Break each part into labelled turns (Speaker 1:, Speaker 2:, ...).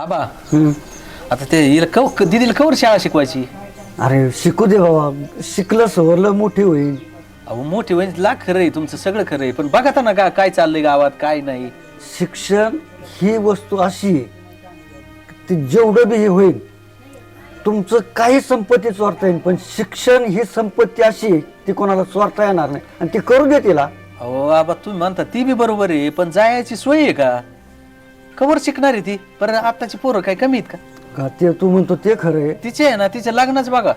Speaker 1: आबा आता ते दिदीला कवर शाळा शिकवायची.
Speaker 2: अरे शिकू दे बाबा, शिकलं सवरलं मोठी होईल.
Speaker 1: अहो मोठी म्हणजे लाख खरं आहे, तुमचं सगळं खरं आहे, पण बघा ना काय चाललंय गावात काय नाही.
Speaker 2: शिक्षण ही वस्तू अशी आहे ती जेवढं बी हे होईल तुमचं काही संपत्ती चोरता येईल, पण शिक्षण ही संपत्ती अशी आहे ती कोणाला चोरता येणार नाही आणि ती करू दे तिला.
Speaker 1: अहो आबा तुम्ही म्हणता ती बी बरोबर आहे, पण जायची सोय आहे का? कवर शिकणार आहे ती? पण आताची पोरं काय कमी आहेत
Speaker 2: का ते तू म्हणतो ते खरं आहे,
Speaker 1: तिचे आहे ना, तिच्या लग्नच बघा.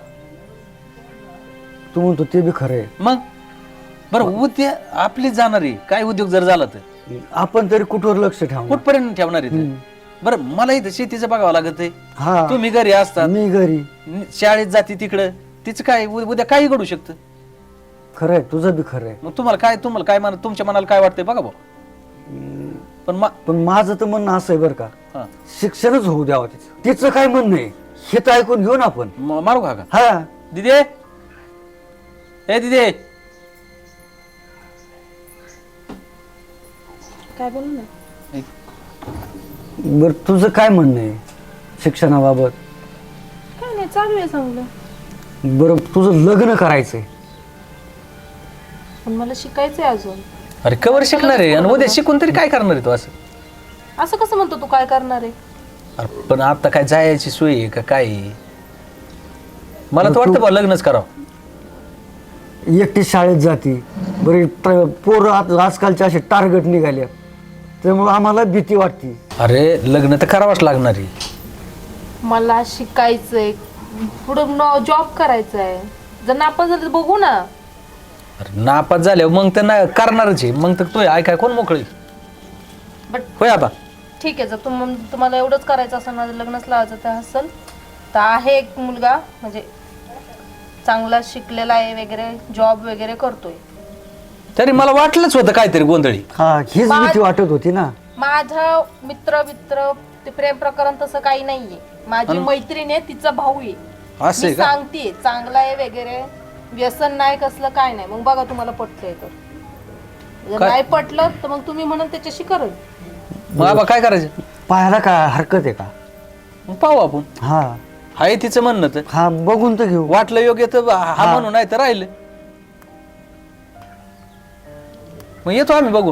Speaker 2: तू म्हणतो ते बी खरं आहे.
Speaker 1: मग बरं उद्या आपलीच जाणार आहे, काय उद्योग जर झाला तर
Speaker 2: आपण तरी कुठवर लक्ष ठेवणार?
Speaker 1: कुठपर्यंत ठेवणार आहे ते? बरं मला इथं शेतीचं बघावं लागत आहे.
Speaker 2: हा
Speaker 1: तुम्ही घरी असतात,
Speaker 2: मी घरी.
Speaker 1: शाळेत जाते तिकडं, तिचं काय उद्या काही घडू शकतं.
Speaker 2: खरं आहे, तुझं बी खरं आहे.
Speaker 1: मग तुम्हाला काय तुमच्या मनाला काय वाटतंय बघा भाऊ.
Speaker 2: पण माझं तर म्हणणं असं आहे बरं का,
Speaker 1: हा
Speaker 2: शिक्षणच होऊ द्यावं तिचं काय म्हणणं आहे हे तर ऐकून घेऊ ना आपण.
Speaker 1: मारू का?
Speaker 2: हा
Speaker 1: दिदे, ए दिदे,
Speaker 3: काय बोलू ना?
Speaker 2: बर तुझं काय म्हणणं आहे शिक्षणाबाबत?
Speaker 3: काय नाही, चालू आहे चांगलं.
Speaker 2: बरं तुझं लग्न करायचंय
Speaker 3: पण मला शिकायचंय अजून.
Speaker 1: अरे कवर शिकणार आहे आणि उद्या शिकून तरी काय करणार आहे तू?
Speaker 3: असं कसं म्हणतो तू? काय करणार आहे?
Speaker 1: अरे पण आता काय जायची सोय आहे का काय? मला तर वाटतं बा लग्नच करावं.
Speaker 2: एकटी शाळेत जाती बरं, पोरं आजकालचे असे टार्गेट निघाले त्यामुळे आम्हाला भीती वाटते.
Speaker 1: अरे लग्न तर करावंच लागणार आहे.
Speaker 3: मला शिकायचंय, पुढं जॉब करायचा आहे. जर नापास झालं तर बघू ना.
Speaker 1: अरे नापास झाल्यावर मग तर नाही करणारच आहे. मग तर तो ऐकाय कोण मोकळी
Speaker 3: बट
Speaker 1: होय आबा?
Speaker 3: ठीक आहे, जर तुम्हाला एवढंच करायचं असेल, माझं लग्नच लावायचं तर असेल तर आहे एक मुलगा, म्हणजे चांगला शिकलेला आहे वगैरे, जॉब वगैरे करतोय.
Speaker 1: तरी मला वाटलंच होतं काहीतरी गोंधळी.
Speaker 2: हा हीच भीती वाटत होती ना.
Speaker 3: माझा मित्र ते प्रेम प्रकरण तसं काही नाहीये. माझी मैत्रीण आहे, तिचा भाऊ आहे.
Speaker 1: असं आहे
Speaker 3: मी
Speaker 1: का?
Speaker 3: सांगते चांगला आहे वगैरे, व्यसन नाही कसलं काय नाही. मग बघा तुम्हाला पटतंय तर. जर
Speaker 1: काय?
Speaker 3: नाही पटलं तर मग तुम्ही म्हणाल त्याच्याशी करेल.
Speaker 1: मग आबा काय करायचं?
Speaker 2: पाहायला काय हरकत आहे का?
Speaker 1: मग पाहू आपण.
Speaker 2: हा
Speaker 1: आहे तिचं म्हणणं तर
Speaker 2: हा बघून तर घेऊ.
Speaker 1: वाटलं योग्य तर हा म्हणून, नाही तर राहिलं. मग येतो आम्ही बघून.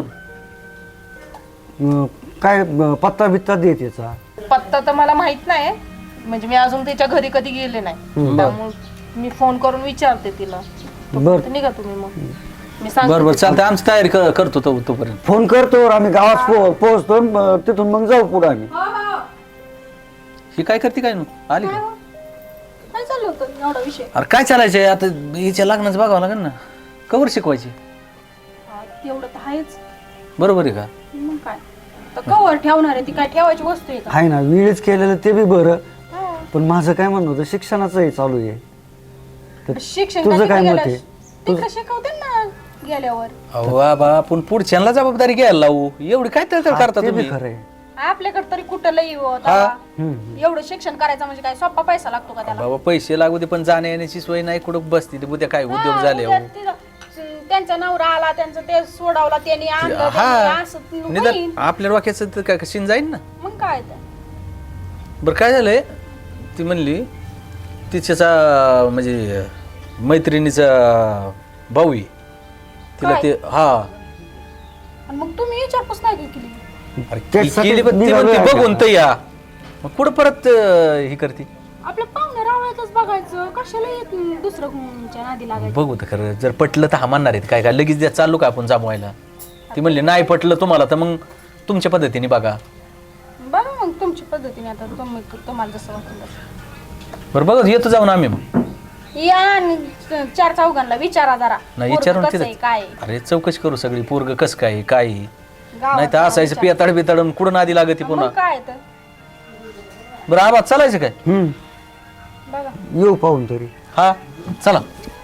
Speaker 2: काय पत्ता बित्ता दे त्याचा.
Speaker 3: पत्ता तर मला माहित नाही, म्हणजे मी अजून त्याच्या घरी कधी गेले नाही. त्यामुळे मी फोन करून विचारते तिला.
Speaker 2: बर
Speaker 3: निघा तुम्ही, मग मी सांगते.
Speaker 1: बरोबर चालतं, आमची तयारी करतो तोपर्यंत.
Speaker 2: फोन करतो, आम्ही गावात पोहोचतो, तिथून मग जाऊ पुढे आम्ही.
Speaker 1: ही काय करते काय आली का?
Speaker 3: काय चाललं होतं एवढा विषय?
Speaker 1: अरे काय चालायचंय आता, हिच्या लग्नाचं बघावं लागेल ना. कवर शिकवायची?
Speaker 3: तेवढं तर आहेच.
Speaker 1: बरोबर आहे का?
Speaker 3: मग काय तर कवर ठेवणार आहे ती? काय ठेवायची वस्तू आहे का?
Speaker 2: आहे ना, वेळच केलेलं ते बी बरं, पण माझं काय म्हणणं होतं शिक्षणाचंही चालू आहे. तर
Speaker 3: शिक्षण
Speaker 2: तुझं काय मत आहे?
Speaker 3: ते का शिकवते ना गेल्यावर.
Speaker 1: अहो बाबा आपण पुढच्यांना जबाबदारी घ्यायला लावू. एवढी काय तर करता
Speaker 2: ते बी
Speaker 1: तुम्ही?
Speaker 2: खरं आहे.
Speaker 3: आपल्याकडे तरी कुठं लई
Speaker 1: हा.
Speaker 3: एवढं शिक्षण करायचं म्हणजे काय सोपा पैसा लागतो का त्याला?
Speaker 1: बाबा पैसे लागू दे, पण जाण्या येण्याची सोय नाही. कुठं बसती उद्या काय उद्योग झाले?
Speaker 3: उद्या त्यांचा नवरा आला, त्यांचं ते सोडवला, त्यांनी आणलं, त्यांनी असं होईल.
Speaker 1: निदान आपल्या डोक्याचं तर काय शिन जाईन ना.
Speaker 3: मग काय तर.
Speaker 1: बरं काय झालंय, ती म्हणली तिच्याचा म्हणजे मैत्रिणीचा भाऊ आहे तिला
Speaker 3: काय?
Speaker 1: ते हा
Speaker 3: आणि मग तुम्ही विचारपूस नाही केली?
Speaker 1: अरे
Speaker 2: त्याच्यासाठी
Speaker 1: केली, पण ती
Speaker 2: निघालोय
Speaker 1: म्हणते
Speaker 2: आम्ही
Speaker 1: बघून
Speaker 2: आता.
Speaker 1: तर या. मग कुठं परत ही करते?
Speaker 3: आपल्या पाहुणे रावळ्यातच बघायचं, कशाला येत दुसरं कोणच्या नादी लागायचं?
Speaker 1: बघू तर खरं, जर पटलं तर हा म्हणणार आहेत काय लगेच द्या चालू का आपण जमवायला? ती म्हणली नाही पटलं तुम्हाला तर मग तुमच्या पद्धतीने बघा.
Speaker 3: बघा मग तुमच्या पद्धतीने, आता तुम्हाला जसं वाटलं तसं.
Speaker 1: बरं बघा येतो जाऊन आम्ही मग.
Speaker 3: या आणि 4 चौघांना विचारा जरा.
Speaker 1: नाही
Speaker 3: पोरगं
Speaker 1: विचारून
Speaker 3: कसं आहे, काय आहे.
Speaker 1: अरे चौकशी करू सगळी, पोरग कस काय काय,
Speaker 3: गावात
Speaker 1: नाही तर असायचं
Speaker 3: विचारा.
Speaker 1: पियाताड बिताडून कुठं आधी लागत पुन्हा.
Speaker 3: मग काय तर.
Speaker 1: बरं आवाज चालायचं काय?
Speaker 3: बघा
Speaker 2: येऊ पाहून तरी.
Speaker 1: हा चला.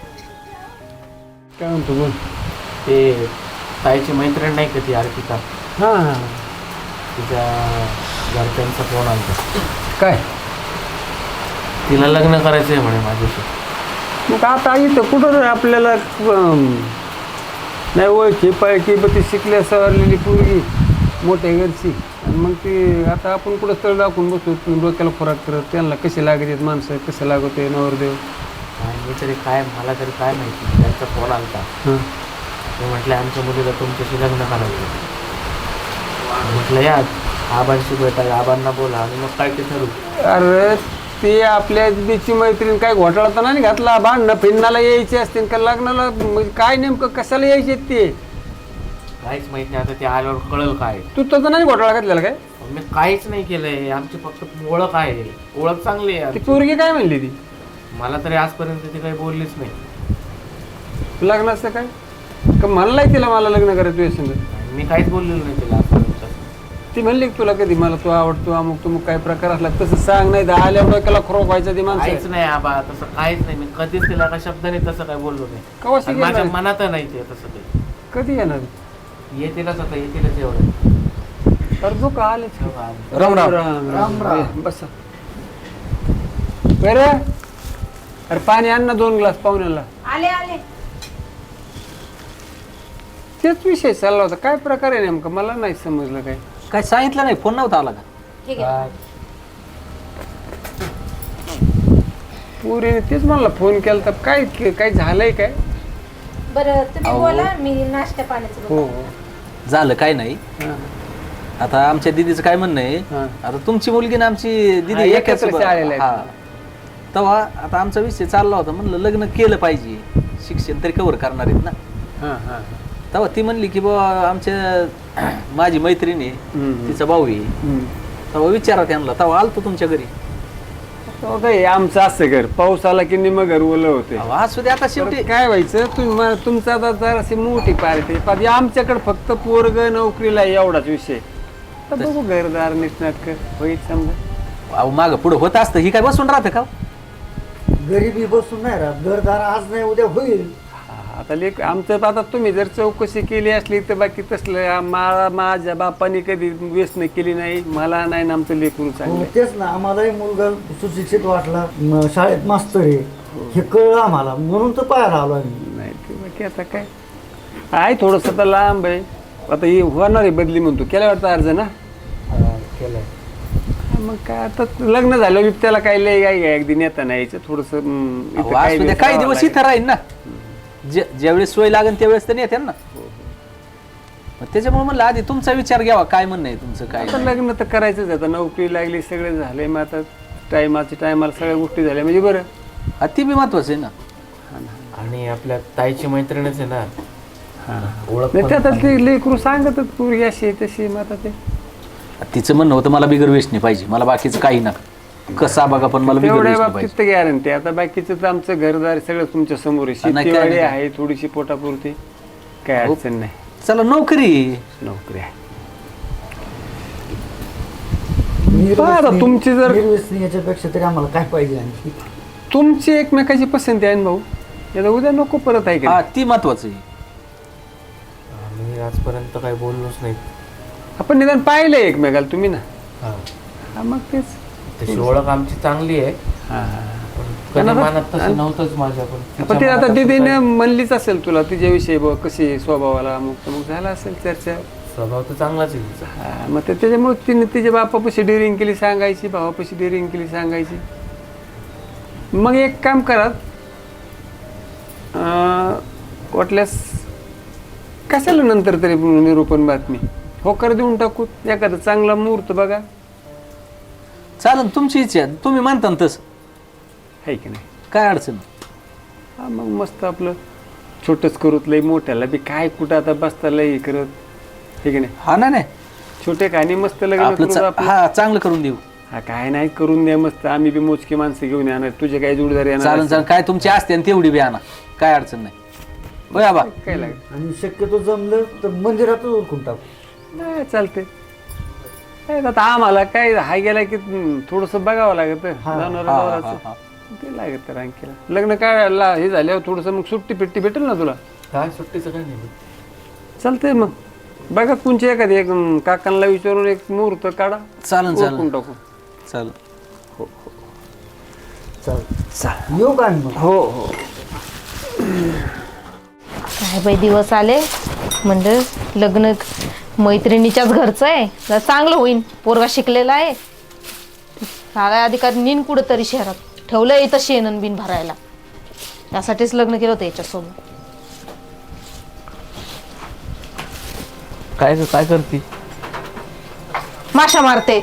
Speaker 2: काय म्हणतो बोल.
Speaker 4: ते ताईची मैत्रीण नाही का ती अर्पिता,
Speaker 2: हा
Speaker 4: तिच्या घरच्यांचा फोन आला.
Speaker 2: काय
Speaker 4: तिला लग्न करायचं आहे म्हणे माझ्याशी.
Speaker 2: मग आता इथं कुठं आपल्याला नाही ओळखी पाळखी, ती शिकल्या सवरलेली पोरगी मोठ्या घरची,
Speaker 5: आणि मग ते आता आपण कुठं स्थळ दाखवून बसतो डोक्याला खोराक करत त्यांना कसे लागत माणसं कसं लागवते नवरदेव.
Speaker 4: मी तरी काय मला तरी काय माहिती त्यांचा फोन आलता.
Speaker 5: हां
Speaker 4: ते म्हटलं आमच्या मुलीला तुमच्याशी लग्न करायचं. म्हटलं या आबांशी भेटा आबांना बोला आणि मग काय ते ठरवू.
Speaker 5: अरे ते आपल्या दीदीची मैत्रीण काय घोटाळा तर नाही घातला भांडणं फिरणाला यायचे असतील का लग्नाला म्हणजे काय नेमकं कशाला यायचे ते
Speaker 4: काहीच माहित नाही. आता ते आल्यावर कळलं काय.
Speaker 5: तू तसं नाही घोटाळा घातलेला काय.
Speaker 4: मी काहीच नाही केलंय. आमची फक्त ओळख आहे. ओळख चांगली आहे.
Speaker 5: ती पोरगी काय म्हणली ती
Speaker 4: मला तरी आजपर्यंत ती काही बोललीच नाही.
Speaker 5: लग्नाचं काय का म्हणलाय तिला मला लग्न करायचं तुझ्या संग.
Speaker 4: मी काहीच बोललेलो नाही तिला आजपर्यंत.
Speaker 5: ती म्हणली की तुला कधी मला तू आवडतो अमुक तुमक काय प्रकार असला तसं सांग नाही तर आल्यावर डोक्याला खरोक व्हायचं ती
Speaker 4: काहीच
Speaker 5: माणसं
Speaker 4: नाही आबा तसं काहीच नाही. मी कधीच तिला का शब्दाने तसं काय बोललो नाही.
Speaker 5: कवा
Speaker 4: आणि माझ्या
Speaker 5: शिकेल
Speaker 4: मनात नाही ते तसं ते.
Speaker 5: कधी येणार
Speaker 4: येतीलच आता येतीलच एवढं.
Speaker 5: अर्जो का आले
Speaker 1: राम राम.
Speaker 2: राम राम.
Speaker 5: बस बरं अरे पाणी आण ना 2 ग्लास पाहुण्याला.
Speaker 3: आले आले.
Speaker 5: तेच विषय चालला होता काय प्रकार आहे नेमका मला नाही समजलं काय.
Speaker 1: काय सांगितलं नाही, फोन नव्हता आला का?
Speaker 3: ठीक आहे.
Speaker 5: पुरीने तेच मला फोन केला तर काय काय झालंय काय.
Speaker 3: बरं तुम्ही
Speaker 1: अहो.
Speaker 3: बोला मी नाश्ता पाण्याचं
Speaker 5: हो
Speaker 3: बघते.
Speaker 5: हो
Speaker 1: झालं काय नाही.
Speaker 5: हां.
Speaker 1: आता आमच्या दीदीचं काय म्हणणं आहे,
Speaker 5: हां.
Speaker 1: आता तुमची मुलगी ना आमची
Speaker 5: हा,
Speaker 1: दीदी एकाच
Speaker 5: एकत्र शाळेला आहेत.
Speaker 1: हा. तेव्हा आता आमचा विषय चालला होता, म्हणलं लग्न केलं पाहिजे, शिक्षण तरी कव्हर करणार आहेत ना.
Speaker 5: हां हां
Speaker 1: तेव्हा ती म्हणली की बाबा आमच्या माझी मैत्रीण आहे,
Speaker 5: हम्म.
Speaker 1: तिचा भाऊ आहे, तेव्हा विचारा त्यांना. तेव्हा आलतो तुमच्या घरी.
Speaker 5: हो काय आमचं असं घर पाऊस आला की निम घर ओलं होते.
Speaker 1: अहो, असू दे आता शेवटी.
Speaker 5: काय व्हायचं तुमचं आता जराशी मोठी पार्टी पण आमच्याकडे फक्त पोरग नोकरीला आहे एवढाच विषय. तर बघू घरदार नीटनाटक होईल समजा.
Speaker 1: अहो मागं पुढं होत असतं, ही काय बसून राहतं का?
Speaker 2: गरिबी बसून नाही राहत, घरदार आज नाही उद्या होईल.
Speaker 5: आता लेख आमचं आता तुम्ही जर चौकशी केली असली तर बाकी तसलं माझ्या बापाने कधी व्यसन केली नाही, मला नाही ना आमचं लेकरू
Speaker 2: हो,
Speaker 5: चांगलं.
Speaker 2: तेच ना आम्हालाही मुलगा सुशिक्षित वाटला, शाळेत मास्तर आहे हे कळलं आम्हाला, म्हणून तर पाहायला आलो आम्ही.
Speaker 5: नाही ते बाकी आता काय आहे थोडंसं आता लांब आहे. आता ही होणार आहे बदली म्हणतो केल्या वाटतं अर्ज ना.
Speaker 4: केलंय.
Speaker 5: मग काय आता लग्न झालं की त्याला काय लय काय अगदी नेता नाही यायचं थोडस.
Speaker 1: अहो, असू दे, काही दिवस इथं राहील ना. ज्यावेळेस सोय लागेल त्यावेळेस तर येते ना. मग त्याच्यामुळे म्हणलं आधी तुमचा विचार घ्यावा, काय म्हणणं आहे तुमचं काय.
Speaker 5: आता लग्न तर करायचंच आता, नोकरी लागली सगळं झालंय, मग आता टायमाला सगळ्या गोष्टी झाल्या म्हणजे बरं.
Speaker 1: हा, ती बी महत्वाचं आहे ना.
Speaker 4: आणि आपल्या ताईची मैत्रीणच आहे ना. ओळख
Speaker 5: नाही
Speaker 4: पण
Speaker 5: ते आता
Speaker 4: चांगली.
Speaker 5: ते लेकरू सांगतच पूर्वी अशी आहे, तशी मग आता ते
Speaker 1: तिचं म्हणणं होतं मला बिगर वेस्ट नाही पाहिजे, मला बाकीचं काही ना कसा बघा पण मला बिगर
Speaker 5: तेवढ्या
Speaker 1: वेस्ट नाही
Speaker 5: बाबतीत
Speaker 1: पाहिजे.
Speaker 5: तर गॅरंटी. आता बाकीचं तर आमचं घरदार सगळं तुमच्या समोर आहे.
Speaker 1: नाही, काय
Speaker 5: शेतीवाडी
Speaker 1: नाही.
Speaker 5: आहे थोडीशी पोटापुरती, काय
Speaker 1: हो.
Speaker 5: अडचण नाही.
Speaker 1: चला नोकरी.
Speaker 5: नोकरी आहे. आता तुमची जर
Speaker 2: निर्व्यसनी याच्यापेक्षा तरी आम्हाला काय पाहिजे आणखी.
Speaker 5: तुमची एकमेकाची पसंती आहे ना भाऊ, आता उद्या नको परत आहे
Speaker 1: हा,
Speaker 5: का.
Speaker 1: ती महत्वाचं आहे.
Speaker 4: आम्ही आजपर्यंत काही बोललोच नाही.
Speaker 5: आपण निदान पाहिलंय एकमेकाला तुम्ही ना.
Speaker 4: हा.
Speaker 5: हा मग तेच.
Speaker 4: तशी ओळख आमची चांगली आहे. पण कधी मनात तसं नव्हतंच माझ्या.
Speaker 5: पण ते आता दीदीने म्हणलीच असेल तुला तिच्याविषयी बघ कशी स्वभावाला मग झाला असेल चर्चा.
Speaker 4: स्वभाव तर चांगलाच आहे तिचा.
Speaker 5: हा, मग त्याच्यामुळे तिने तिच्या बापापाशी डेअरिंग केली सांगायची, भावापाशी डेअरिंग केली सांगायची. मग एक काम करा, वाटल्यास कशाला नंतर तरी निरूपण बातमी होकार देऊन टाकू, एखादा चांगला मुहूर्त बघा.
Speaker 1: चालन, तुमची इच्छा आहे. तुम्ही मानता ना तसं,
Speaker 5: आहे की नाही.
Speaker 1: काय अडचण नाही.
Speaker 5: हा मग मस्त आपलं छोटंच करूत, लई मोठ्याला बी काय कुठं आता बसता लई करत, हे की नाही.
Speaker 1: हा ना, नाही
Speaker 5: छोटे खाणी मस्त लग्न
Speaker 1: आपलं
Speaker 5: करू आपलं.
Speaker 1: हा चांगलं करून देऊ.
Speaker 5: हा काय नाही करून द्या मस्त, आम्ही बी मोजकी माणसं घेऊन येणार, तुझे काय जोडदार येणार
Speaker 1: चालन चालन, काय तुमची असते आणि तेवढी बी आणा, काय अडचण नाही. होय आबा.
Speaker 5: काय लागेल.
Speaker 2: आणि शक्यतो जमलं तर मंदिरातच उरकून टाकू.
Speaker 5: नाही चालते. काय आता आम्हाला काय हा गेला की थोडस बघावं लागत
Speaker 2: हा,
Speaker 5: जनावरांचं. ते लागत तर आणखीला लग्न काय हे झाल्यावर थोडस मग सुट्टी पिट्टी भेटेल ना तुला.
Speaker 4: काय सुट्टीचं काय नाही.
Speaker 5: चालतंय मग बघा कोणची एखादी एक काकांना विचारून एक मुहूर्त काढा,
Speaker 1: चालन
Speaker 5: उरकून
Speaker 1: चालन
Speaker 5: टाकू.
Speaker 1: चालन.
Speaker 2: चाल येऊ का मग.
Speaker 5: हो हो.
Speaker 3: काय बाई दिवस आले, म्हणजे लग्न मैत्रिणीच्याच घरचं आहे, जरा चांगलं होईन. पोरगा शिकलेला आहे, शाळा अधिकारी नीन कुठंतरी शहरात ठेवलं इथं शेणन बिन भरायला. त्यासाठीच लग्न केलं होतं याच्यासोबत.
Speaker 4: काय करते?
Speaker 3: माशा मारते.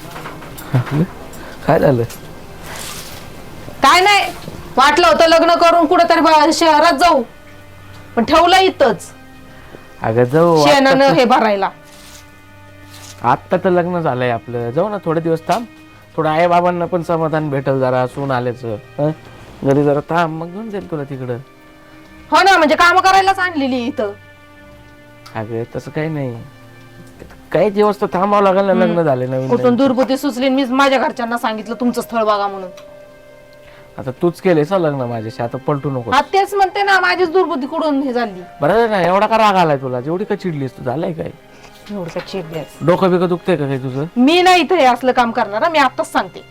Speaker 4: काय झालं?
Speaker 3: काय नाही, वाटलं होतं लग्न करून कुठंतरी शहरात जाऊ, पण ठेवलं इथंच
Speaker 4: अगं जाऊ,
Speaker 3: शेणानं हे भरायला.
Speaker 4: आत्ता तर लग्न झालंय आपलं, जाऊ ना थोडे दिवस थांब. थोडं आई बाबांना पण समाधान भेटल, जरा सून आल्याचं. घरी जरा थांब, मग घेऊन जाईल तुला तिकडं.
Speaker 3: हो ना, म्हणजे काम करायलाच आणलेली इथं.
Speaker 4: अगं तसं काही नाही, काही दिवस तर थांबावं लागेल ना, लग्न झाले नवीन
Speaker 3: कुठून
Speaker 4: नवीन.
Speaker 3: दुर्बुद्धी सुचली, मी माझ्या घरच्यांना सांगितलं तुमचं स्थळ बघा म्हणून.
Speaker 4: आता तूच केलेस ना लग्न माझ्याशी, आता पलटू नको.
Speaker 3: हा तेच म्हणते ना, माझीच दुर्बुद्धी कुठून हे झाली.
Speaker 4: बरं ना, एवढा का राग आलाय तुला? जेवढी का चिडलीस तू, झालंय काय?
Speaker 3: एवढं का चिडल्यास?
Speaker 4: डोकं बिकं दुखतंय का काही तुझं?
Speaker 3: मी नाही इथं हे असलं काम करणार, मी आताच सांगते.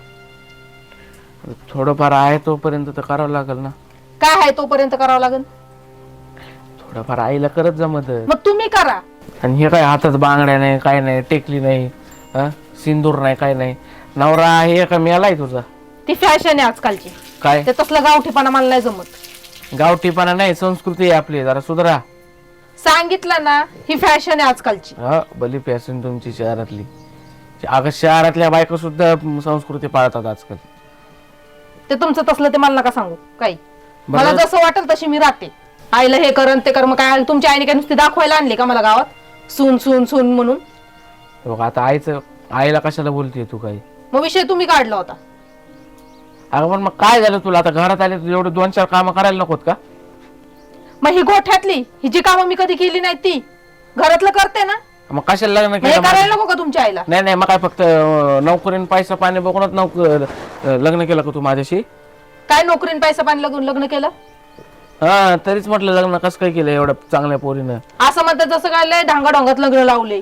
Speaker 4: थोडंफार आहे तोपर्यंत तर करावं लागेल ना.
Speaker 3: काय आहे तोपर्यंत करावं लागेल.
Speaker 4: थोडंफार आईला करत जमत.
Speaker 3: मग तुम्ही करा.
Speaker 4: आणि हे काय हातात बांगड्या नाही, काय नाही, टेकली नाही, सिंदूर नाही, काय नाही. नवरा आहे का मेलाय तुझा?
Speaker 3: ती फॅशन आहे आजकालची.
Speaker 4: काय
Speaker 3: ते तसलं गावठीपणा मला नाही जमत.
Speaker 4: गावठीपणा नाही, संस्कृती आहे आपली, जरा सुधरा.
Speaker 3: सांगितलं ना, ही फॅशन आहे आजकालची.
Speaker 4: हा, भली फॅशन तुमची शहरातली. अगं शहरातल्या बायका सुद्धा संस्कृती पाळतात आजकाल.
Speaker 3: ते तुमचं तसलं ते मला नका सांगू काही.
Speaker 4: बरं.
Speaker 3: मला जसं वाटेल तशी मी राहते. आईला हे करन ते कर, मग काय तुमच्या आईने काय नुसती दाखवायला आणली का मला गावात सून सून सून म्हणून?
Speaker 4: बघ आता आईला कशाला बोलतेय तू? काही
Speaker 3: मग विषय तुम्ही काढला होता.
Speaker 4: अगं पण मग काय झालं तुला? आता घरात आले तू एवढे 2-4 कामं करायला नकोत का?
Speaker 3: मग ही गोठ्यातली ही जी कामं मी कधी केली नाही ती घरातलं करते ना,
Speaker 4: मग कशाला लग्न
Speaker 3: हे
Speaker 4: केलं?
Speaker 3: करायला नको का तुमच्या आईला?
Speaker 4: नाही मग काय फक्त नोकरीन पैसा पाणी बघूनच लग्न केलं का तू माझ्याशी?
Speaker 3: काय नोकरीन पैसा पाणी लागून लग्न केलं?
Speaker 4: हा, तरीच म्हटलं लग्न कसं काय केलं एवढं चांगल्या पोरीनं?
Speaker 3: असं म्हणतात जसं काय लय ढांगाढोंगात लग्न लावले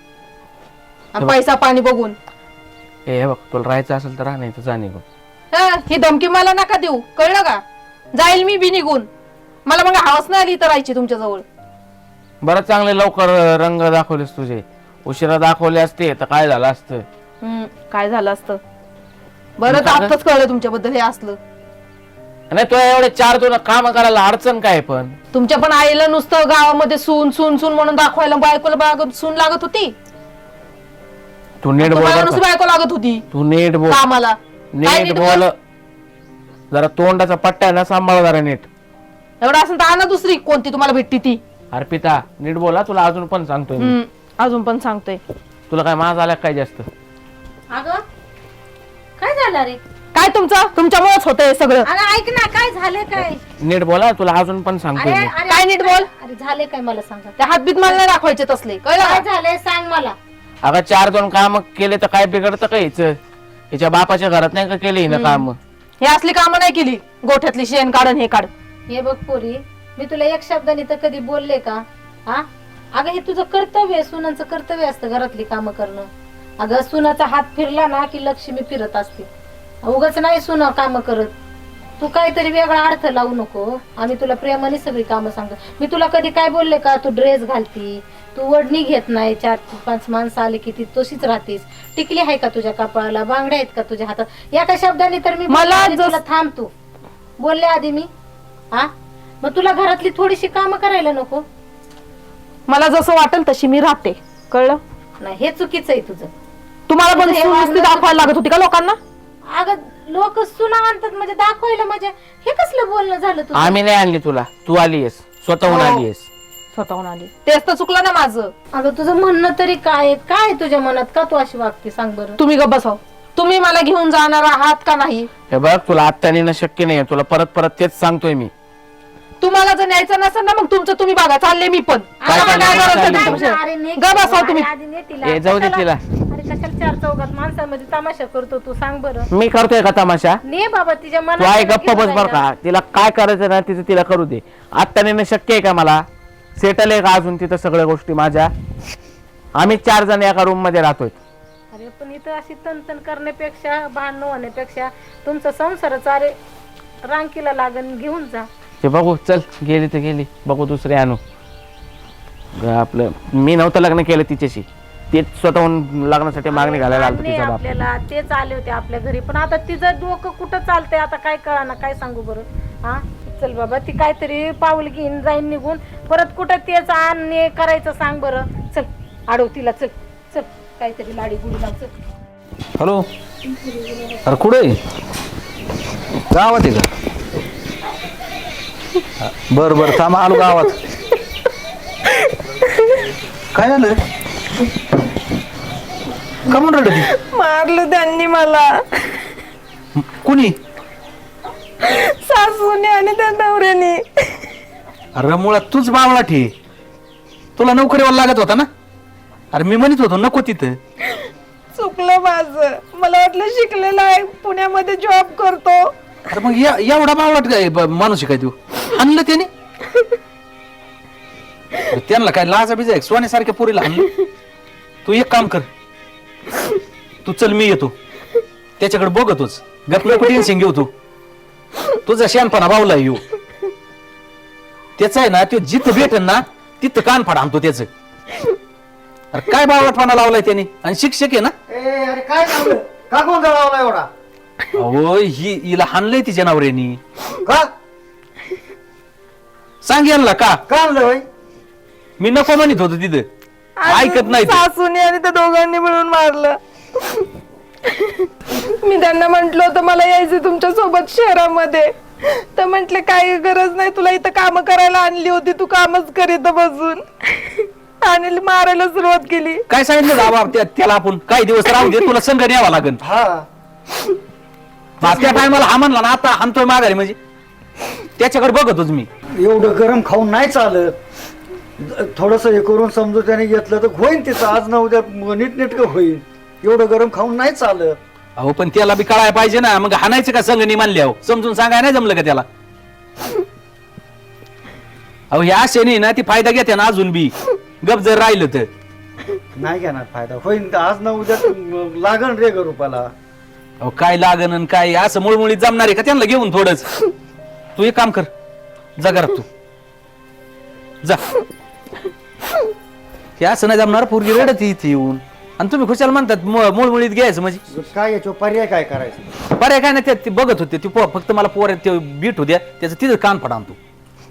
Speaker 3: पैसा पाणी बघून.
Speaker 4: हे बघ, तुला राहायचं असेल तर राह, नाही तर जा निघून.
Speaker 3: ही धमकी मला नका देऊ, कळलं का? जाईल मी बी निघून. मला मग हवस नाही आली इथं राहायची तुमच्या जवळ.
Speaker 4: बरं, चांगले लवकर रंग दाखवलेस तुझे. उशिरा दाखवले असते तर काय झालं असतं?
Speaker 3: काय झालं असतं? बरं तर आताच कळलं तुमच्याबद्दल हे असलं.
Speaker 4: नाही, तुला एवढे 4 काम करायला अडचण काय? पण
Speaker 3: तुमच्या पण आईला नुसतं गावामध्ये सून सून सून म्हणून दाखवायला बायकोला सून लागत होती.
Speaker 4: तू नीट बोल,
Speaker 3: नुसती बायको लागत होती
Speaker 4: तू नीट बोल,
Speaker 3: कामाला. काय
Speaker 4: नीट बोल. जरा तोंडाचा पट्टा आहे ना, सांभाळ जरा नीट.
Speaker 3: एवढं असं तर आणा दुसरी कोणती तुम्हाला भेटती ती.
Speaker 4: अर्पिता, नीट बोला. तुला अजून पण सांगतोय मी.
Speaker 3: अजून पण सांगतोय.
Speaker 4: तुला काय माज आला काय जास्त?
Speaker 6: अगं काय झालं रे?
Speaker 3: काय तुमच्यामुळेच होतंय सगळं.
Speaker 6: अगं ऐक ना, काय झालंय? काय
Speaker 4: नीट बोला, तुला अजून पण सांगतोय मी.
Speaker 3: काय नीट बोल?
Speaker 6: अरे झाले काय मला सांगा.
Speaker 3: त्या हातबीत मला नाही दाखवायचे तसले, कळलं
Speaker 6: काय
Speaker 3: का?
Speaker 6: झालंय सांग मला.
Speaker 4: अगं 4 काम केले तर काय बिघडतं का? हिच्या बापाच्या घरात नाही का केली ना काम?
Speaker 3: हे असली कामं नाही केली, गोठ्यातली शेण काढ हे काढ.
Speaker 6: हे बघ पोरी, मी तुला एक शब्दाने तर कधी बोलले का? हा, अगं हे तुझं कर्तव्य आहे, सुनांचं कर्तव्य असतं घरातली कामं करणं. अगं सुनाचा हात फिरला ना की लक्ष्मी फिरत असते. उगाच नाही सुना कामं करत. तू काहीतरी वेगळा अर्थ लावू नको. आम्ही तुला प्रेमाने सगळी कामं सांगतो. मी तुला कधी काय बोलले का? तू ड्रेस घालती, तू ओढणी घेत नाही, 4-5 माणसं आले की ती तशीच राहतीस. टिकली आहे का तुझ्या कपाळाला? बांगड्या आहेत का तुझ्या हातात? एका शब्दाने तर मी
Speaker 3: मला
Speaker 6: बोलले, तुला थांब तू बोलले आधी मी. हा, मग तुला घरातली थोडीशी कामं करायला नको?
Speaker 3: मला जसं वाटेल तशी मी राहते, कळलं?
Speaker 6: नाही, हे चुकीचं आहे तुझं.
Speaker 3: तुम्हाला पण
Speaker 6: हे
Speaker 3: सून नुसती
Speaker 6: वागणं
Speaker 3: दाखवायला लागत होती का लोकांना?
Speaker 6: अगं लोक सुना आणतात म्हणजे दाखवायला, म्हणजे हे कसलं बोलणं झालं तुझं?
Speaker 4: आम्ही नाही आणली तुला, तू आलीयस, स्वतःहून आलीयस.
Speaker 3: स्वतःहून आली, तेच तर चुकलं ना माझं.
Speaker 6: अगं तुझं म्हणणं तरी काय आहे? काय आहे तुझ्या मनात? का तू अशी वागते सांग बरं?
Speaker 3: तुम्ही गप्प बसाव. तुम्ही मला घेऊन जाणार आहात का नाही?
Speaker 4: हे बघ, तुला आत्ता नेणं शक्य नाही. तुला परत तेच सांगतोय मी.
Speaker 3: तुम्हाला जर न्यायचं नसेल ना, मग तुमचं तुम्ही बघा. चालले मी पण.
Speaker 4: काय
Speaker 3: आम्हाला
Speaker 4: चाललंय?
Speaker 3: काय करायचं
Speaker 4: काय
Speaker 3: तुमच्या
Speaker 6: अरे
Speaker 3: विषयी?
Speaker 6: ने
Speaker 3: गप्प बसाव तुम्ही.
Speaker 6: आधी ने तिला.
Speaker 4: ए, जाऊ दे तिला.
Speaker 6: अरे कशाला 4 चौघात माणसांमध्ये तमाशा करतो तू सांग बरं?
Speaker 4: मी करतोय का तमाशा?
Speaker 6: ने बाबा तिच्या
Speaker 4: तू
Speaker 6: मनात
Speaker 4: आहे गप्प बस बर का. तिला काय करायचं ना तिचं तिला करू दे. आत्ता नेणं शक्य आहे का मला? सेटल आहे का अजून तिथं सगळ्या गोष्टी माझ्या? आम्ही 4 जण एका रूम मध्ये राहतोय.
Speaker 6: अरे पण इथं अशी तनतन करण्यापेक्षा, भांडण होण्यापेक्षा तुमचा संसारच अरे रांकीला लागन, घेऊन जा.
Speaker 4: ते बघू, चल गेली तर गेली, बघू दुसरी आणू. आपलं मी नव्हतं लग्न केलं तिच्याशी, ते स्वतःहून लग्नासाठी मागणी घालायला आलं
Speaker 6: मान्य
Speaker 4: तिचा
Speaker 6: आहे
Speaker 4: बाप.
Speaker 6: आपल्याला, तेच आले होते आपल्या घरी, पण आता तिचं डोकं कुठं चालतंय आता काय कळाना, काय सांगू बरं. हा चल बाबा, ती काहीतरी पाऊल घेऊन जाईन निघून, परत कुठं तेच आणणे करायचं सांग बरं. चल आडव तिला, चल चल काहीतरी लाडी गुडी लाव, चल.
Speaker 1: हॅलो, अरे कुठे आहे? गावात आहे का? बर बर थांब, आलो गावात. काय झालं? का म्हणून रडत ती?
Speaker 3: मारलं त्यांनी मला,
Speaker 1: कुणी?
Speaker 3: सासूने आणि त्या नवऱ्याने.
Speaker 1: अरे मुळात तूच बावळा ठे, तुला नोकरीवर लागत होता ना. अरे मी म्हणत होतो नको तिथं.
Speaker 3: चुकलं माझं, मला वाटलं शिकलेला आहे, पुण्यामध्ये जॉब करतो.
Speaker 1: अरे मग एवढा बावळाट काय माणूस आहे काय तू? आणलं त्याने? अरे त्यांना काय लाजा बिजा आहे? सोन्यासारख्या पोरीला आणलं. तू एक काम कर, तू चल मी येतो त्याच्याकडे बघतोच, गप नको टेन्शन घेऊ तू. तुझा शहाणपणा बावला येऊ. त्याचं आहे ना, तो जिथं भेटेल ना तिथं कान फाड आणतो त्याचं. अरे काय बावळटपणा लावलाय त्याने, आणि शिक्षक आहे ना.
Speaker 2: अरे काय झालं? का गोंधळ लावला एवढा?
Speaker 1: अहो हिला हाणलंय तिच्या नवऱ्यानी.
Speaker 2: का
Speaker 1: सांग यांना का
Speaker 2: आणलं बाई?
Speaker 1: मी नको म्हणत होतो तिथं, ऐकत नाही ते.
Speaker 3: सासूने आणि त्या दोघांनी मिळून मारलं. मी त्यांना म्हंटल होतं मला यायचं तुमच्या सोबत शहरामध्ये, तर म्हंटले काही गरज नाही, तुला इथं काम करायला आणली होती, तू कामच कर इथं बसून. आणि मारायला सुरुवात केली.
Speaker 1: काय सांगितलं बाबा त्याला, आपण काही दिवस राहू दे, तुला संघ न्यावा लागेल.
Speaker 2: हा
Speaker 1: त्या टायमाला हा म्हणला ना, आता हाणतोय माघारी, म्हणजे त्याच्याकडे बघतोच मी.
Speaker 2: एवढं गरम खाऊन नाही चालत. थोडस हे करून समजून त्याने घेतलं तर होईन तिचं, आज ना उद्या नीटनेटकं होईल. एवढं गरम खाऊन नाही चालत.
Speaker 1: अहो पण त्याला बी कळायला पाहिजे ना, मग हाणायचं का संघ नाही मानल्यावर? समजून सांगाय नाही जमलं का त्याला? अहो ह्या आशेने ना ती फायदा घेते ना अजून बी, गप जर राहिलं तर.
Speaker 2: नाही घेणार फायदा, होईन आज ना उद्या लागण रे रूपाला.
Speaker 1: अहो काय लागन आणि काय असं मुळमुळीत जमणार आहे का त्यांना घेऊन थोडंच? तू एक काम कर, जा घरात तू जा. हे असं नाही जमणार, पोरगी रडत इथे येऊन, आणि तुम्ही खुशाल म्हणतात मुळमुळीत घ्यायचं म्हणजे.
Speaker 2: काय याच्यावर पर्याय काय करायचं?
Speaker 1: पर्याय काय नाही, ते बघत होते ती फक्त मला पोर ते बीट होत्या, त्याचं तिथं कान फाड आणतो.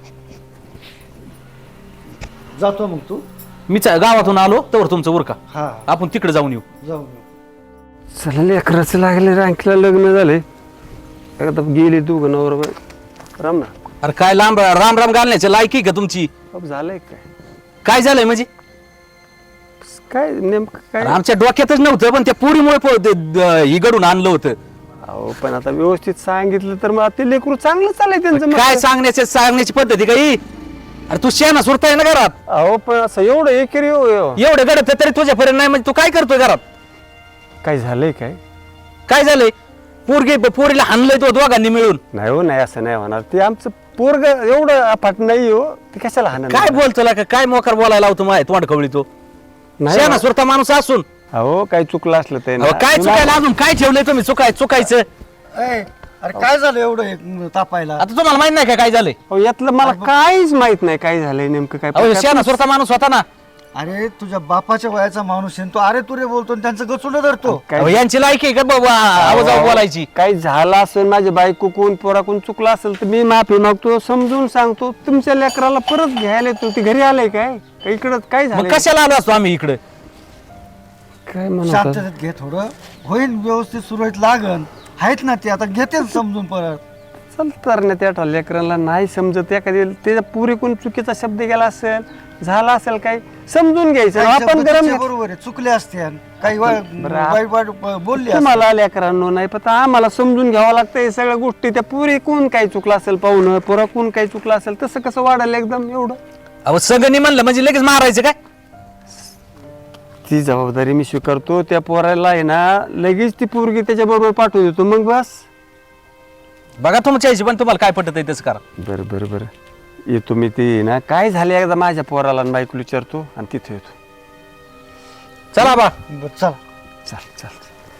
Speaker 2: जातो मग तू.
Speaker 1: मी गावातून आलो तर तुमचं उरका,
Speaker 2: हा
Speaker 1: आपण तिकडे जाऊन येऊ.
Speaker 2: जाऊ.
Speaker 5: चला लेकराचं लागले, रांकीला लग्न झाले, आता गेली तू नवरा बाई. राम ना.
Speaker 1: अरे काय लांब राम राम घालण्याची लायकी का तुमची?
Speaker 5: अब झालंय काय?
Speaker 1: काय झालंय म्हणजे?
Speaker 5: काय नेमकं काय?
Speaker 1: अरे आमच्या डोक्यातच नव्हतं, पण त्या पोरीमुळे ही घडून आणलं होतं.
Speaker 5: अहो पण आता व्यवस्थित सांगितलं तर मग ते लेकरू चांगलं चाललंय त्यांचं.
Speaker 1: काय सांगण्याची पद्धती काही? अरे तू शेणा सुरताय ना घरात.
Speaker 5: अहो पण असं एवढं एकेरी
Speaker 1: एवढं घडत तरी तुझ्यापर्यंत नाही, म्हणजे तू काय करतोय घरात?
Speaker 5: काय झालंय?
Speaker 1: काय झालंय? पोरीला हाणलंय तो दोघांनी मिळून.
Speaker 5: नाही हो, नाही असं नाही होणार. ते आमचं पोरग एवढं अफाट नाही हो, ते कशाला हाणार?
Speaker 1: काय बोलतो का? काय मोकार बोलायला लावतो माय तोंड खवळी तो.
Speaker 5: नाही
Speaker 1: शेणा सुरता माणूस असून
Speaker 5: अहो काही चुकलं असलं ते
Speaker 1: अहो, काय चुकायला अजून काय ठेवलंय तुम्ही चुकायचं?
Speaker 2: अरे काय झालं एवढं हे तापायला?
Speaker 1: आता तुम्हाला माहित नाही का काय झालंय?
Speaker 5: अहो, यातलं मला काहीच माहित नाही काय झालंय नेमकं काय.
Speaker 1: अहो शेणा सुरता माणूस होता ना.
Speaker 2: अरे तुझ्या बापाच्या वयाचा माणूस आहे तो, अरे तुरे बोलतो आणि त्यांचं गचुंड धरतो.
Speaker 1: अहो, यांची लायकी आहे का बाबा आवाज बोलायची?
Speaker 5: काही झालं असेल, माझ्या बायको कोण पोराकून चुकलं असेल तर मी माफी मागतो, समजून सांगतो. तुमच्या लेकराला परत घ्यायला येतो. ती घरी आलंय काय? इकडं काय
Speaker 1: मग
Speaker 5: झालं?
Speaker 1: कशाला आलो असतो आम्ही इकडे?
Speaker 5: काय म्हणत?
Speaker 2: शांततेत घे थोडं, होईन व्यवस्थित सुरळीत लागन. आहेत ना ते आता घेते समजून परत.
Speaker 5: चल तर ना, त्या लेकरांना नाही समजत, एखादी त्याच्या पुरेकून चुकीचा शब्द गेला असेल, झाला असेल काय, समजून घ्यायचं. आपण गरम
Speaker 2: बरोबर आहे, चुकले असते काही वाईट वाईट बोलले असतील.
Speaker 5: तुम्हाला लेकरांनो नाही पण आम्हाला समजून घ्यावं लागतं हे सगळ्या गोष्टी. त्या पुरेकून काही चुकलं असेल, पाहुणं पोराकून काही चुकलं असेल, तसं कसं वाढायला एकदम एवढं?
Speaker 1: अहो सगळं म्हणलं म्हणजे लगेच मारायचं काय?
Speaker 5: ती जबाबदारी मी स्वीकारतो. त्या पोराला आहे ना लगेच ती पोरगी त्याच्या बरोबर पाठवून देतो, मग बस.
Speaker 1: बघा तुमच्या पण तुम्हाला काय पटत आहे तसं करा.
Speaker 5: बरं बरं बरं येतो मी. ते ना काय झाले एकदा माझ्या पोराला आणि बायकोला विचारतो आणि तिथे येतो.
Speaker 1: चला बा.
Speaker 2: चल
Speaker 5: चाल चाल.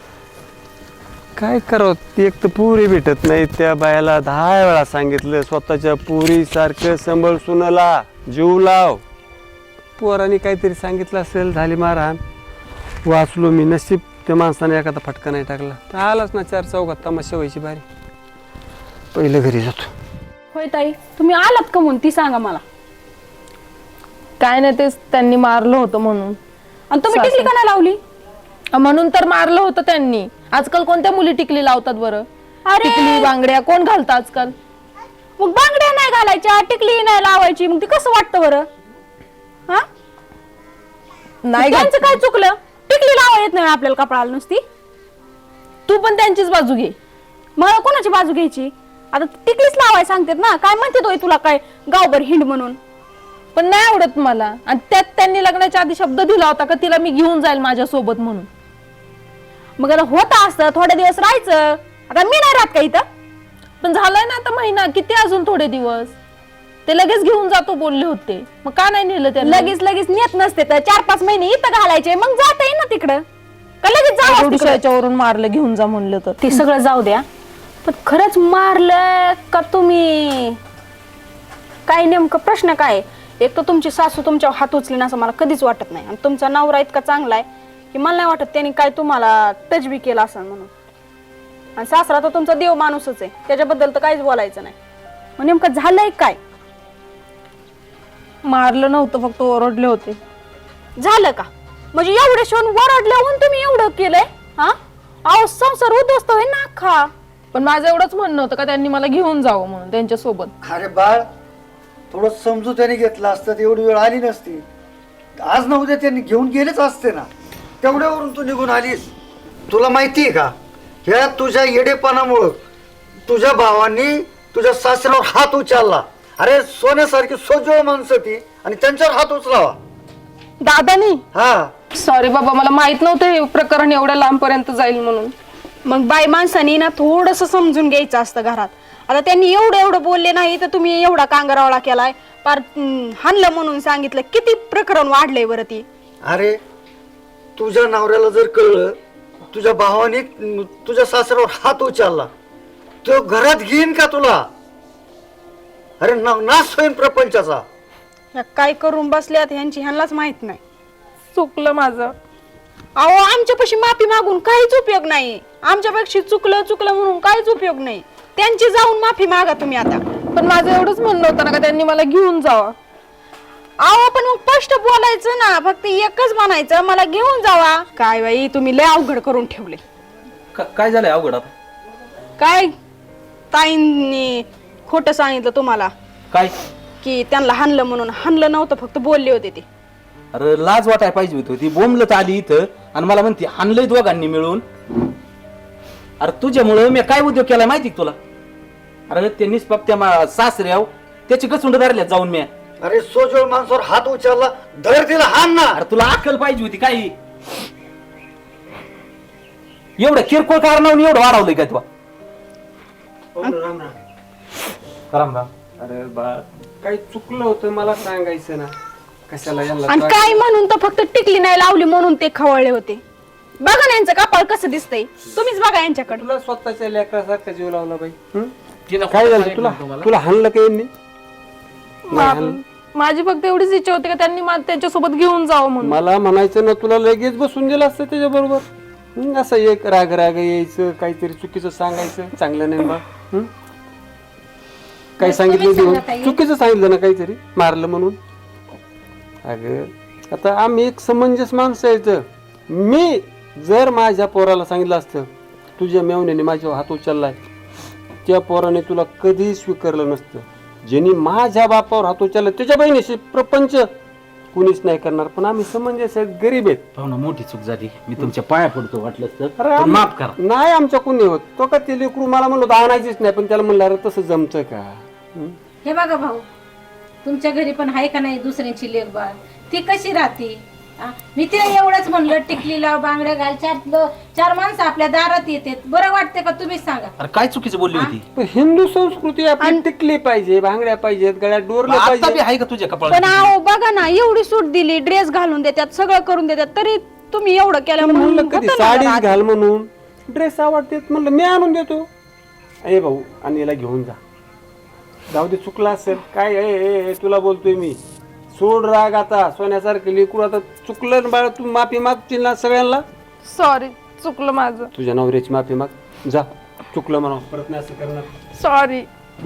Speaker 5: काय करावं, ती एक तर पुरी भेटत नाही. त्या बायाला 10 वेळा सांगितलं स्वतःच्या पुरी सारखं सांभाळ, सुनाला जीव लाव. पोराने काहीतरी सांगितलं असेल, झाली मारहाण, वाचलो मी. नशीब त्या माणसाने एखादा फटका नाही टाकला तर आलाच ना 4 चौघात तमाशा व्हायची बारी. पहिलं घरी जातो.
Speaker 7: होय ताई, तुम्ही आलात का म्हणून ती सांगा मला.
Speaker 3: काय नाही, तेच त्यांनी मारलं होतं म्हणून.
Speaker 7: आणि तुम्ही टिकली का नाही लावली?
Speaker 3: म्हणून तर मारलं होतं त्यांनी. आजकाल कोणत्या मुली टिकली लावतात बरं?
Speaker 7: अरे!
Speaker 3: टिकली बांगड्या कोण घालतं आजकाल?
Speaker 7: मग बांगड्या नाही घालायच्या, टिकली नाही लावायची, मग ती कसं वाटतं बरं? हा,
Speaker 3: नाही
Speaker 7: त्यांचं
Speaker 3: घात-
Speaker 7: काय चुकलं? टिकली लावा येत नाही आपल्याला कपडाला नुसती.
Speaker 3: तू पण त्यांचीच बाजू घे.
Speaker 7: मला कोणाची बाजू घ्यायची? आता टिकलीच लावाय सांगतात ना. काय म्हणते तो तुला काय गावभर हिंड म्हणून?
Speaker 3: पण नाही आवडत मला. आणि त्यात त्यांनी लग्नाच्या आधी शब्द दिला होता का तिला मी घेऊन जाईल माझ्या सोबत म्हणून.
Speaker 7: मग आता होतं असतं, थोडे दिवस राहायचं. आता मी नाही राहत का इथं?
Speaker 3: पण झालाय ना आता महिना, किती अजून थोडे दिवस. ते लगेच घेऊन जातो बोलले होते, मग का नाही नेलं त्यांना?
Speaker 7: लगेच नेत नसते तर 4-5 महिने इथं घालायचे, मग जाता येईल ना तिकडं. का लगेच जावं तिकडं?
Speaker 3: याच्यावरून मारलं घेऊन जा म्हणलं तर.
Speaker 7: ते सगळं जाऊ द्या, पण खरंच मारलं का तुम्ही? काय नेमकं प्रश्न काय? एक तर तुमची सासू तुमच्यावर हात उचलेन असं मला कधीच वाटत नाही. आणि तुमचा नवरा इतका चांगला आहे की मला नाही वाटत त्यांनी काय तुम्हाला टच बी केला असं म्हणून. आणि सासरा तर तुमचा देव माणूसच आहे, त्याच्याबद्दल तर काहीच बोलायचं नाही. मग नेमकं झालंय काय?
Speaker 3: मारलं नव्हतं, फक्त ओरडले होते.
Speaker 7: झालं का? म्हणजे एवढे शिवून वरडल्याहून तुम्ही एवढं केलंय? हा, अहो संसार उद्ध्वस्त होईल ना अख्खा.
Speaker 3: पण माझं एवढंच म्हणणं होतं का त्यांनी मला घेऊन जावं म्हणून त्यांच्या सोबत.
Speaker 2: अरे बाळ, थोडं समजूत्याने घेतलं असतं तर एवढी वेळ आली नसती. आज ना उद्या त्यांनी घेऊन गेलेच असते ना. तेवढ्यावरून तू निघून आलीस. तुला माहिती आहे का, ह्या तुझ्या येडेपणामुळं तुझ्या भावांनी तुझ्या सासऱ्यावर हात उचलला. अरे सोन्यासारखी सोजवळ माणसं ती, आणि त्यांच्यावर हात उचलावा.
Speaker 3: दादानी,
Speaker 2: हा,
Speaker 3: सॉरी बाबा, मला माहित नव्हतं हे प्रकरण एवढ्या लांब पर्यंत जाईल म्हणून.
Speaker 7: मग बाई माणसानी ना थोडस समजून घ्यायचं असतं घरात. आता त्यांनी एवढं बोलले नाही तर तुम्ही एवढा कांगारावळा केलाय, पार हाणलं म्हणून सांगितलं. किती प्रकरण वाढलंय बरं ती.
Speaker 2: अरे तुझ्या नवऱ्याला जर कळलं तुझ्या भावाने तुझ्या सासऱ्यावर हात उचलला, तो घरात घेईन का तुला? अरे नाश होईन प्रपंचाचा.
Speaker 7: ह्या काय करून बसल्यात ह्यांनाच माहित नाही.
Speaker 3: चुकलं माझं.
Speaker 7: अहो आमच्यापाशी माफी मागून काहीच उपयोग नाही. आमच्यापेक्षा चुकलं म्हणून काहीच उपयोग नाही. त्यांची जाऊन माफी मागा तुम्ही आता.
Speaker 3: पण माझं एवढंच म्हणणं होतं ना का त्यांनी मला घेऊन जावं.
Speaker 7: अहो पण मग स्पष्ट बोलायचं ना, फक्त एकच म्हणायचं मला घेऊन जावा. काय बाई तुम्ही लय अवघड करून ठेवले.
Speaker 1: काय झालंय अवघड आता?
Speaker 7: काय ताईंनी खोटं सांगितलं तुम्हाला
Speaker 1: काय?
Speaker 7: की त्यांना हाणलं म्हणून? हाणलं नव्हतं, फक्त बोलले होते ते.
Speaker 1: अरे लाज वाटाय पाहिजे होती. ती बोंबलत आली इथं आणि मला म्हणते हाणलंय दोघांनी मिळून. अरे तुझ्यामुळं मी काय उद्योग केलाय माहिती तुला? अरे ते निष्पाप त्या सासऱ्याव त्याची गचुंड धरल्या जाऊन मी.
Speaker 2: अरे सोजवळ माणसावर हात उचलला, धर तिला हाण ना.
Speaker 1: अरे तुला अक्कल पाहिजे होती काही. एवढं किरकोळ कारणावून एवढं वाढवलंय काय तुला? राम राम.
Speaker 5: अरे बा, काही चुकलं होतं मला सांगायचं ना. कशाला यांना
Speaker 7: आणि
Speaker 5: त्रास?
Speaker 7: काय म्हणून तर फक्त टिकली नाही लावली म्हणून ते खवळले होते. बघा ना यांचं कपाळ कसं दिसतंय, तुम्हीच बघा यांच्याकडे.
Speaker 5: तुला स्वतःच्या लेकरासारखा जीव लावला बाई. काय झालं तुला हाणलं का यांनी?
Speaker 3: माझी फक्त एवढीच इच्छा होती का त्यांनी त्यांच्यासोबत घेऊन जावं म्हणून.
Speaker 5: मला म्हणायचं ना, तुला लगेच बसून दिलं असतं त्याच्या बरोबर. असं एक राग यायचं, काहीतरी चुकीचं सांगायचं, चांगलं नाही बा. काही सांगितलं देऊन चुकीचं सांगितलं ना काहीतरी, मारलं म्हणून. अगं आता आम्ही एक समंजस माणसं यायचं. मी जर माझ्या पोराला सांगितलं असतं तुझ्या मेवण्याने माझ्यावर हात उचललाय, त्या पोराने तुला कधी स्वीकारलं नसतं. ज्यांनी माझ्या बापावर हात उचलला त्याच्या बहिणीशी प्रपंच कुणीच नाही करणार. पण आम्ही समंजस आहेत, गरीब आहेत.
Speaker 1: पाहुणा मोठी चूक झाली, मी तुमच्या पाया पडतो वाटलं तर.
Speaker 5: अरे
Speaker 1: पण माफ करा.
Speaker 5: नाही आमच्या कुणी होत. तो का ते लेकरू मला म्हणलो आणायचीच नाही, पण त्याला म्हणलं अरे तसं जमतं का?
Speaker 6: हे बघा भाऊ, तुमच्या घरी पण आहे का नाही दुसऱ्यांची लेक बाळ? ती कशी राहते? मी तिला एवढंच म्हणलं टिकली लाव, बांगड्या घाल, चार माणसं आपल्या दारात येते, बरं वाटते का? तुम्हीच सांगा.
Speaker 1: अरे काय चुकीचं बोलली होती?
Speaker 5: पण हिंदू संस्कृती आपली टिकली पाहिजे, भांगड्या पाहिजेत, गळ्यात डोरलं
Speaker 1: आता बी
Speaker 5: पाहिजे.
Speaker 1: आहे का तुझ्या
Speaker 7: पण
Speaker 1: कपाळात?
Speaker 7: अहो बघा ना, एवढी सूट दिली, ड्रेस घालून देतात, सगळं करून देतात, तरी तुम्ही एवढं केलं
Speaker 5: म्हणलं
Speaker 7: म्हणून
Speaker 5: कधी
Speaker 7: होतं ना
Speaker 5: साडीच
Speaker 7: जरा.
Speaker 5: घाल म्हणून, ड्रेस आवडतेत म्हणलं मी आणून देतो. ए भाऊ, आणि याला घेऊन जा. जाऊ दे, चुकला असेल काय. तुला बोलतोय मी, सोड राग आता, सोन्यासारखं लेकरू. आता चुकलं ना बाळा, तू माफी मागतील ना सगळ्यांना.
Speaker 3: सॉरी, चुकलं माझं.
Speaker 5: तुझ्या नवऱ्याची माफी माग जा. चुकलं म्हणा, परत नाही असं करणार.
Speaker 3: सॉरी.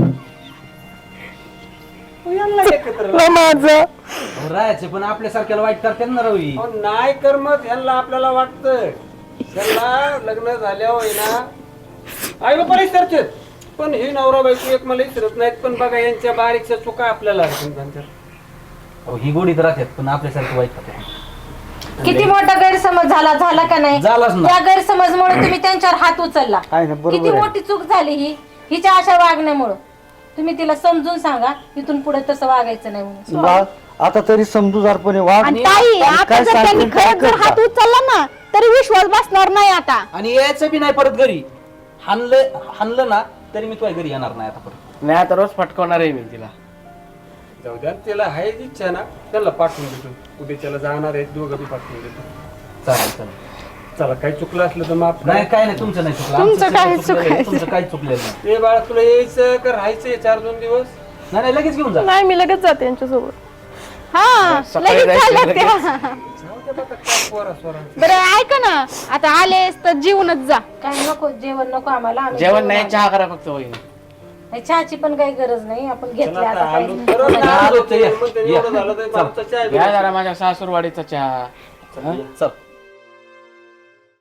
Speaker 3: माझं
Speaker 1: राहायचे पण आपल्यासारख्याला वाईट करते ना रवी.
Speaker 5: अहो, नाही कर मग ह्यांना आपल्याला वाटतं. त्यांना लग्न झाल्यावर आहे ना आई बाबा विसरते, पण हे नवरा बायको एक मला विसरत नाहीत. पण बघा यांच्या बारीकच्या चुका आपल्याला
Speaker 1: अहो, ही गोडीत राहतात पण आपल्यासारखे वाईट करतात.
Speaker 6: किती मोठा गैरसमज झाला का नाही?
Speaker 1: झालाच ना.
Speaker 6: त्या गैरसमजमुळे तुम्ही त्यांच्यावर हात उचलला.
Speaker 2: आहे ना, बरोबर
Speaker 6: किती
Speaker 2: आहे.
Speaker 6: मोठी चूक झाली ही, हिच्या अशा वागण्यामुळं. तुम्ही तिला समजून सांगा इथून पुढे तसं वागायचं नाही म्हणून.
Speaker 2: वाघ आता तरी समजूदारपणे वाघ.
Speaker 7: आणि ताई आता जर त्यांनी खरंच जर हात उचलला ना तरी विश्वास बसणार नाही आता.
Speaker 1: आणि यायचं बी नाही परत घरी. हाणलं ना तरी मी तुझ्या घरी येणार नाही आता परत.
Speaker 4: नाही आता रोज फटकवणार आहे मी तिला.
Speaker 5: जाऊ द्या, त्याला आहे इच्छा ना, त्याला पाठवून देतो. उद्याच्याला जाणार आहेत दोघं बी पाठवून देतो.
Speaker 1: चालेल चालेल.
Speaker 5: चला काही चुकलं असलं तर माफ
Speaker 1: नाही काय नाही, तुमचं नाही चुकलं.
Speaker 3: तुमचं
Speaker 1: आमचं
Speaker 3: काही
Speaker 1: सगळं चुकलेलं आहे.
Speaker 3: चुकायचं.
Speaker 1: तुमचं काही चुकलेलं नाही.
Speaker 5: ए बाळा, तुला यायचं का राहायचंय 4-2 दिवस?
Speaker 1: नाही नाही, लगेच घेऊन जा.
Speaker 3: नाही, मी लगेच जाते यांच्यासोबत.
Speaker 7: हा
Speaker 4: सकाळी
Speaker 7: लगेच
Speaker 4: जायचं,
Speaker 7: चालत त्या.
Speaker 5: जाऊ द्या बघा, काय पोरा-सोरांचं.
Speaker 7: बरं ऐका ना, आता आलेस तर जीवनच जा.
Speaker 6: काय नको, जेवण नको आम्हाला. आम्ही
Speaker 4: जेवण नाही,
Speaker 6: जेवण
Speaker 4: चहा करा फक्त वहिनी.
Speaker 6: नाही, चहाची पण काही गरज नाही. आपण घेतले
Speaker 5: चला
Speaker 6: आता
Speaker 5: आता
Speaker 6: काही
Speaker 5: आलो.
Speaker 6: नाही.
Speaker 5: परत नाही
Speaker 1: आलो
Speaker 5: आलो
Speaker 1: तर या.
Speaker 5: तर एवढं झालं तर आमचा चहा
Speaker 4: घ्या जरा माझ्या सासूरवाडीचा चहा.
Speaker 1: चल